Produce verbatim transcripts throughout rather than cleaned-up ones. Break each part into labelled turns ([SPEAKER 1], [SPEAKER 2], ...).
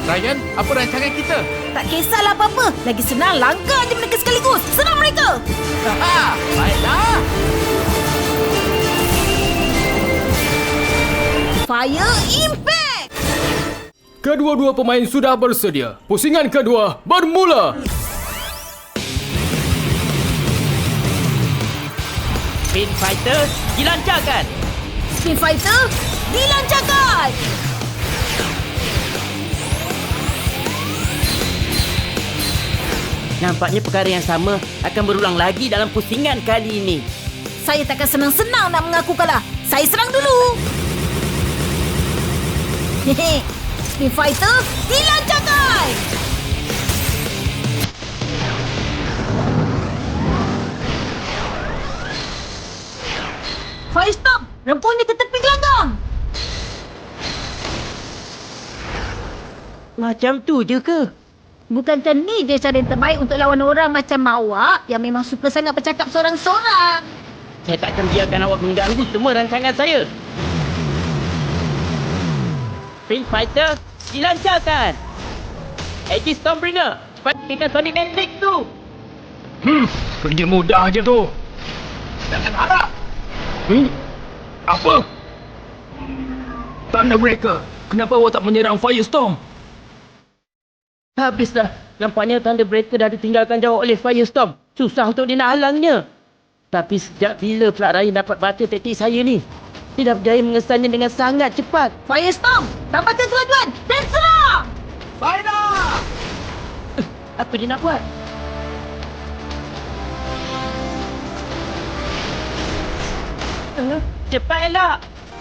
[SPEAKER 1] Ryan, apa rancangan kita?
[SPEAKER 2] Tak kisahlah apa-apa. Lagi senang langgar je mereka sekaligus. Senang mereka.
[SPEAKER 1] Haha, baiklah.
[SPEAKER 2] Fire Impact!
[SPEAKER 3] Kedua-dua pemain sudah bersedia. Pusingan kedua bermula.
[SPEAKER 4] Spin Fighter dilancarkan.
[SPEAKER 2] Spin Fighter dilancarkan.
[SPEAKER 4] Nampaknya perkara yang sama akan berulang lagi dalam pusingan kali ini.
[SPEAKER 2] Saya takkan senang-senang nak mengaku kalah. Saya serang dulu. Hehe. Spin Fighter dilancarkan. Firestorm, rempungnya ke tepi gelanggang.
[SPEAKER 4] Macam tu je ke?
[SPEAKER 2] Bukankah ni je cara yang terbaik untuk lawan orang macam awak yang memang suka sangat bercakap seorang-seorang?
[SPEAKER 4] Saya tak akan biarkan awak mengganggu semua rancangan saya. Spin Fighter dilancarkan. Edge Stormbringer, pastikan Sonic Matrix tu.
[SPEAKER 3] Hmm, kerja mudah je tu. Jangan harap. Hmm, apa? Thunderbreaker, kenapa awak tak menyerang Firestorm?
[SPEAKER 4] Habislah. Nampaknya Thunderbreaker dah ditinggalkan jauh oleh Firestorm. Susah untuk dia nak halangnya. Tapi sejak bila pula Ryan dapat baca taktik saya ni? Dia dah berjaya mengesannya dengan sangat cepat.
[SPEAKER 2] Firestorm, tambahkan kelajuan dan serang!
[SPEAKER 1] Baiklah.
[SPEAKER 4] Apa dia nak buat? Uh, cepat elak!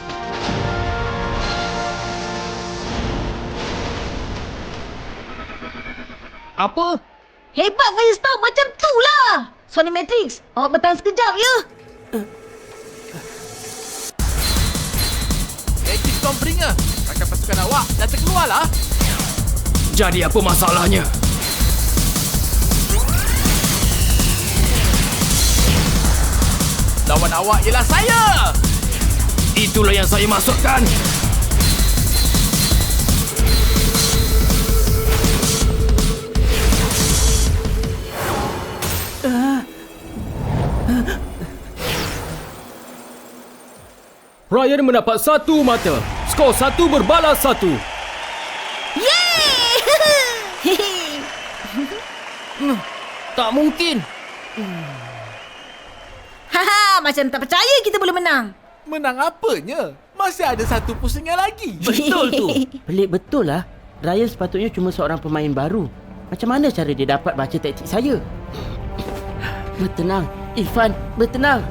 [SPEAKER 3] Apa?
[SPEAKER 2] Hebat Firestorm, macam tu lah! Sonic Matrix, awak bertahan sekejap ya?
[SPEAKER 1] Edge Stormbringer, rakan pasukan awak dah terkeluarlah.
[SPEAKER 3] Jadi apa masalahnya?
[SPEAKER 1] Lawan awak ialah saya.
[SPEAKER 3] Itulah yang saya maksudkan. Ryan mendapat satu mata. Skor satu berbalas satu.
[SPEAKER 2] Yeay!
[SPEAKER 3] Hmm, tak mungkin.
[SPEAKER 2] Haha, macam tak percaya kita boleh menang.
[SPEAKER 1] Menang apanya? Masih ada satu pusingan lagi.
[SPEAKER 4] Betul tu. Pelik betul lah. Ryan sepatutnya cuma seorang pemain baru. Macam mana cara dia dapat baca taktik saya? Bertenang. Irfan, bertenang.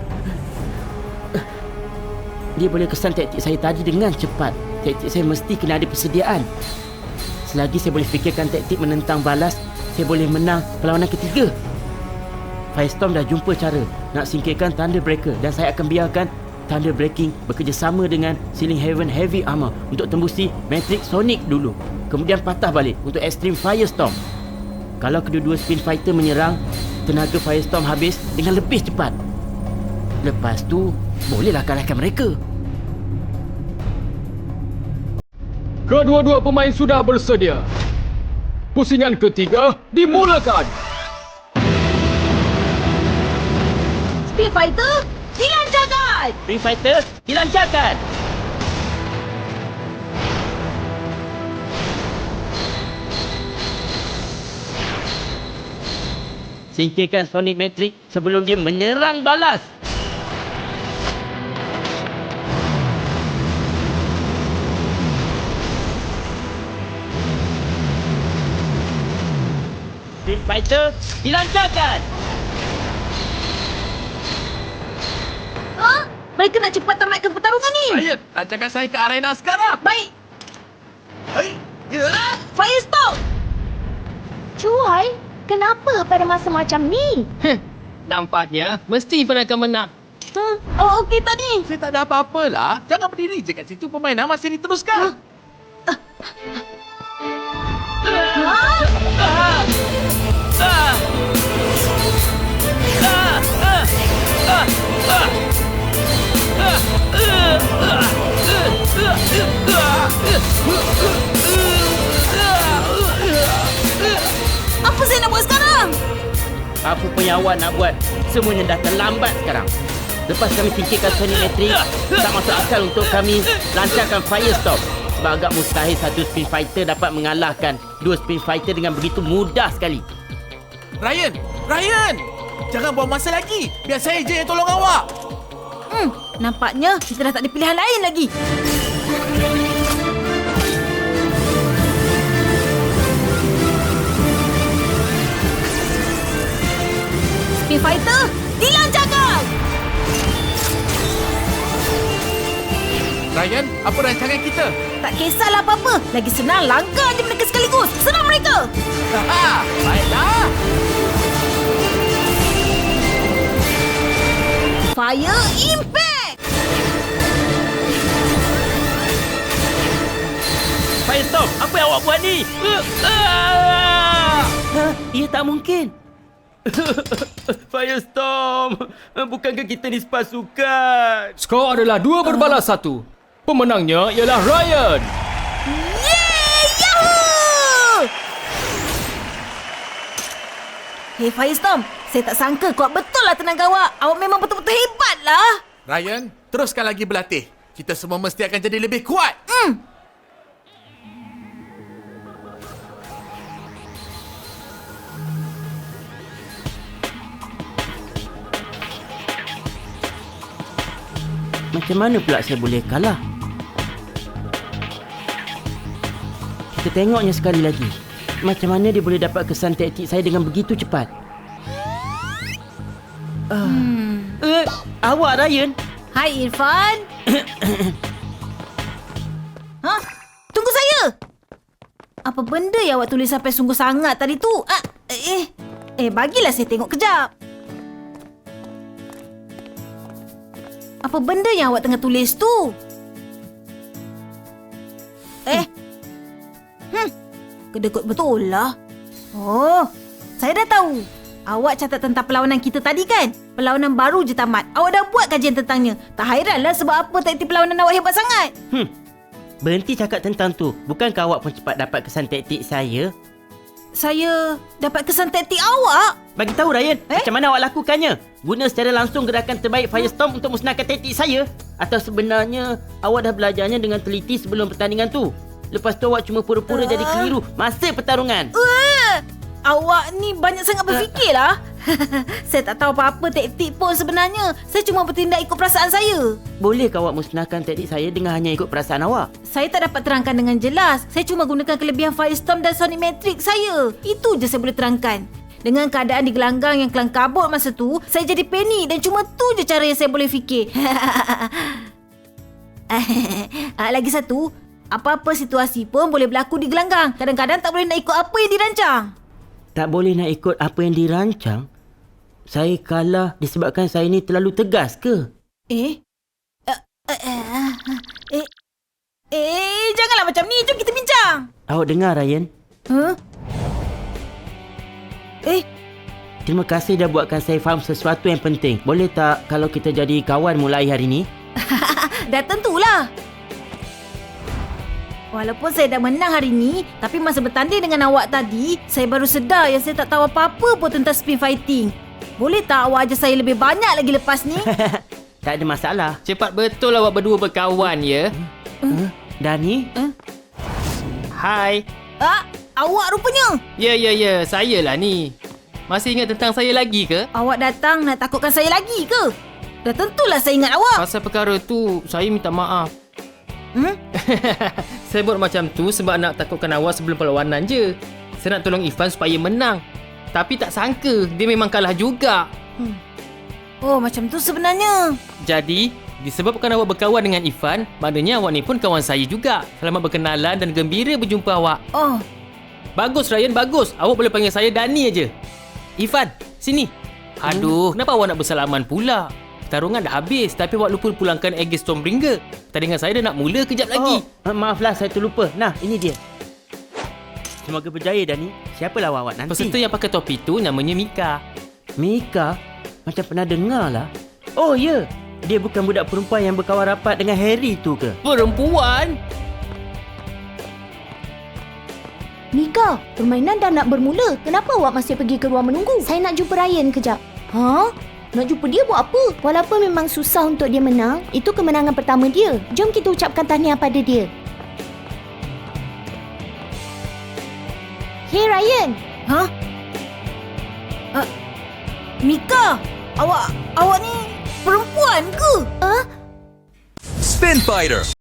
[SPEAKER 4] Dia boleh kesan taktik saya tadi dengan cepat. Taktik saya mesti kena ada persediaan. Selagi saya boleh fikirkan taktik menentang balas, saya boleh menang perlawanan ketiga. Firestorm dah jumpa cara nak singkirkan Thunderbreaker dan saya akan biarkan Thunderbreaking bekerjasama dengan Sealing Heaven Heavy Armor untuk tembusi Matrix Sonic dulu. Kemudian patah balik untuk Extreme Firestorm. Kalau kedua-dua Spin Fighter menyerang, tenaga Firestorm habis dengan lebih cepat. Lepas tu, bolehlah kalahkan mereka.
[SPEAKER 3] Kedua-dua pemain sudah bersedia. Pusingan ketiga dimulakan.
[SPEAKER 2] Spin Fighter dilancarkan.
[SPEAKER 4] Spin Fighter dilancarkan. Singkirkan Sonic Matrix sebelum dia menyerang balas. Spin Fighter dilancarkan.
[SPEAKER 2] Ha? Mereka nak cepat tamatkan pertarungan ni.
[SPEAKER 1] Ryan, lancarkan saya ke arena sekarang.
[SPEAKER 2] Baik.
[SPEAKER 1] Hei, ya.
[SPEAKER 2] Firestorm.
[SPEAKER 5] Cuai, kenapa pada masa macam ni?
[SPEAKER 6] Nampaknya mesti Irfan akan menang.
[SPEAKER 2] Huh? Oh, okey tadi.
[SPEAKER 1] Saya tak ada apa-apa lah. Jangan berdiri je kat situ, permainan masih diteruskan.
[SPEAKER 2] Ha?
[SPEAKER 4] Apa pun yang awak nak buat, semuanya dah terlambat sekarang. Lepas kami singkirkan Sonic Matrix, tak masuk akal untuk kami lancarkan Firestorm. Sebab agak mustahil satu Spin Fighter dapat mengalahkan dua Spin Fighter dengan begitu mudah sekali.
[SPEAKER 1] Ryan! Ryan! Jangan buang masa lagi. Biar saya je yang tolong awak.
[SPEAKER 2] Hmm, nampaknya kita dah tak ada pilihan lain lagi. Spin Fighter, dilancarkan!
[SPEAKER 1] Ryan, apa rancangan kita?
[SPEAKER 2] Tak kisahlah apa-apa. Lagi senang langgar je mereka sekaligus. Senang mereka!
[SPEAKER 1] Haha, baiklah.
[SPEAKER 2] Fire Impact!
[SPEAKER 4] Firestorm, apa yang awak buat ni? Uh, uh. Ha, ia tak mungkin. Firestorm, bukankah kita ni sepasukan?
[SPEAKER 3] Skor adalah dua berbalas satu. Pemenangnya ialah Ryan.
[SPEAKER 2] Yeay! Yahoo! Hey Firestorm, saya tak sangka kuat betul lah tenaga awak. Awak memang betul-betul hebat lah.
[SPEAKER 1] Ryan, teruskan lagi berlatih. Kita semua mesti akan jadi lebih kuat.
[SPEAKER 2] Hmm.
[SPEAKER 4] Macam mana pula saya boleh kalah? Kita tengoknya sekali lagi. Macam mana dia boleh dapat kesan taktik saya dengan begitu cepat? Uh, hmm. uh, awak, Ryan?
[SPEAKER 2] Hai Irfan. Ha? Tunggu saya. Apa benda yang awak tulis sampai sungguh sangat tadi tu? Ah, eh, eh, bagilah saya tengok kejap. Apa benda yang awak tengah tulis tu? Eh. Hmm. Kedekut betul lah. Oh, saya dah tahu. Awak catat tentang perlawanan kita tadi kan? Perlawanan baru je tamat. Awak dah buat kajian tentangnya. Tak hairanlah sebab apa taktik perlawanan awak hebat sangat.
[SPEAKER 4] Hmm. Berhenti cakap tentang tu. Bukankah awak pun cepat dapat kesan taktik saya?
[SPEAKER 2] Saya dapat kesan taktik awak?
[SPEAKER 4] Bagi tahu Ryan,
[SPEAKER 2] Eh?
[SPEAKER 4] macam mana awak lakukannya? Guna secara langsung gerakan terbaik Firestorm untuk musnahkan taktik saya? Atau sebenarnya awak dah belajarnya dengan teliti sebelum pertandingan tu? Lepas tu awak cuma pura-pura uh. jadi keliru masa pertarungan.
[SPEAKER 2] Uh, awak ni banyak sangat berfikirlah. Saya tak tahu apa-apa taktik pun sebenarnya. Saya cuma bertindak ikut perasaan saya.
[SPEAKER 4] Bolehkah awak musnahkan taktik saya dengan hanya ikut perasaan awak?
[SPEAKER 2] Saya tak dapat terangkan dengan jelas. Saya cuma gunakan kelebihan Firestorm dan Sonic Matrix saya. Itu je saya boleh terangkan. Dengan keadaan di gelanggang yang kelang kabut masa tu, saya jadi panik dan cuma tu je cara yang saya boleh fikir. Lagi satu, apa-apa situasi pun boleh berlaku di gelanggang. Kadang-kadang tak boleh nak ikut apa yang dirancang.
[SPEAKER 4] Tak boleh nak ikut apa yang dirancang? Saya kalah disebabkan saya ni terlalu tegas ke?
[SPEAKER 2] Eh? Uh, uh, uh, eh? Eh, janganlah macam ni. Jom kita bincang.
[SPEAKER 4] Awak dengar, Ryan?
[SPEAKER 2] Huh? Eh?
[SPEAKER 4] Terima kasih dah buatkan saya faham sesuatu yang penting. Boleh tak kalau kita jadi kawan mulai hari ni?
[SPEAKER 2] Dah tentulah. Walaupun saya dah menang hari ni, tapi masa bertanding dengan awak tadi, saya baru sedar yang saya tak tahu apa-apa pun tentang spin fighting. Boleh tak awak ajar saya lebih banyak lagi lepas ni?
[SPEAKER 4] Tak ada masalah.
[SPEAKER 6] Cepat betul awak berdua berkawan, ya?
[SPEAKER 4] Uh, Dani?
[SPEAKER 2] Uh?
[SPEAKER 6] Hai.
[SPEAKER 2] Ah, awak rupanya.
[SPEAKER 6] Ya, ya, ya. Saya lah ni. Masih ingat tentang saya lagi ke?
[SPEAKER 2] Awak datang nak takutkan saya lagi ke? Dah tentulah saya ingat awak.
[SPEAKER 6] Pasal perkara tu, saya minta maaf.
[SPEAKER 2] Hmm?
[SPEAKER 6] Saya buat macam tu sebab nak takutkan awak sebelum perlawanan je. Saya nak tolong Irfan supaya menang. Tapi tak sangka, dia memang kalah juga.
[SPEAKER 2] Hmm. Oh, macam tu sebenarnya.
[SPEAKER 6] Jadi, disebabkan awak berkawan dengan Irfan, maknanya awak ni pun kawan saya juga. Selamat berkenalan dan gembira berjumpa awak.
[SPEAKER 2] Oh.
[SPEAKER 6] Bagus Ryan, bagus. Awak boleh panggil saya Dani aja. Irfan, sini. Aduh, kenapa awak nak bersalaman pula? Pertarungan dah habis, tapi awak lupa pulangkan Aegis Stormbringer. Pertandingan saya dah nak mula kejap lagi.
[SPEAKER 4] Oh, maaflah, saya terlupa. Nah, ini dia. Semoga berjaya, Dani. Siapalah awak nanti?
[SPEAKER 6] Peserta yang pakai topi tu namanya Mika.
[SPEAKER 4] Mika? Macam pernah dengar lah. Oh, ya. Dia bukan budak perempuan yang berkawan rapat dengan Harry tu ke?
[SPEAKER 6] Perempuan?
[SPEAKER 5] Mika, permainan dah nak bermula. Kenapa awak masih pergi ke ruang menunggu? Saya nak jumpa Ryan kejap. Ha? Nak jumpa dia buat apa? Walaupun memang susah untuk dia menang, itu kemenangan pertama dia. Jom kita ucapkan tahniah pada dia. Hey Ryan.
[SPEAKER 2] Ha? Uh, Mika, awak awak ni perempuan ke?
[SPEAKER 5] Ah,
[SPEAKER 7] Spin Fighter.